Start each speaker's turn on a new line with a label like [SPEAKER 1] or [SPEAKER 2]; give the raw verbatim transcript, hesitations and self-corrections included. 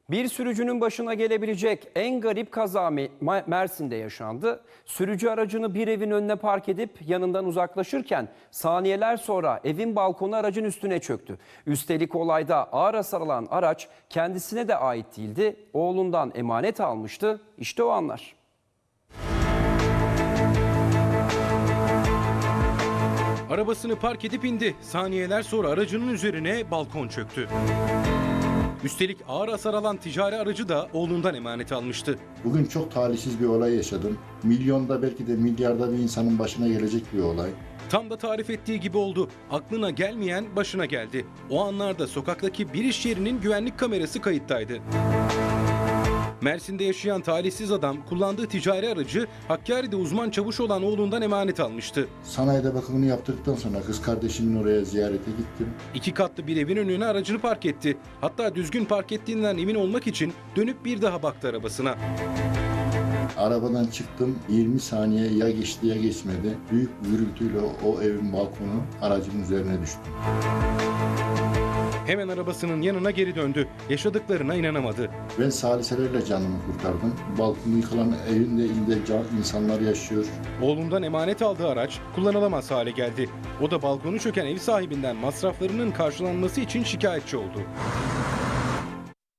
[SPEAKER 1] Bir sürücünün başına gelebilecek en garip kaza Mersin'de yaşandı. Sürücü aracını bir evin önüne park edip yanından uzaklaşırken saniyeler sonra evin balkonu aracın üstüne çöktü. Üstelik olayda ağır hasar alan araç kendisine de ait değildi. Oğlundan emanet almıştı. İşte o anlar.
[SPEAKER 2] Arabasını park edip indi. Saniyeler sonra aracının üzerine balkon çöktü. Üstelik ağır hasar alan ticari aracı da oğlundan emanet almıştı.
[SPEAKER 3] Bugün çok talihsiz bir olay yaşadım. Milyonda belki de milyarda bir insanın başına gelecek bir olay.
[SPEAKER 2] Tam da tarif ettiği gibi oldu. Aklına gelmeyen başına geldi. O anlarda sokaktaki bir iş yerinin güvenlik kamerası kayıttaydı. Mersin'de yaşayan talihsiz adam kullandığı ticari aracı Hakkari'de uzman çavuş olan oğlundan emanet almıştı.
[SPEAKER 3] Sanayide bakımını yaptırdıktan sonra kız kardeşimin oraya ziyarete gittim.
[SPEAKER 2] İki katlı bir evin önüne aracını park etti. Hatta düzgün park ettiğinden emin olmak için dönüp bir daha baktı arabasına.
[SPEAKER 3] Arabadan çıktım, yirmi saniye ya geçti ya geçmedi. Büyük bir gürültüyle o evin balkonu aracımın üzerine düştü.
[SPEAKER 2] Hemen arabasının yanına geri döndü. Yaşadıklarına inanamadı.
[SPEAKER 3] Ben saliselerle canımı kurtardım. Balkonu yıkılan evin de içinde can, insanlar yaşıyor.
[SPEAKER 2] Oğlundan emanet aldığı araç kullanılamaz hale geldi. O da balkonu çöken ev sahibinden masraflarının karşılanması için şikayetçi oldu.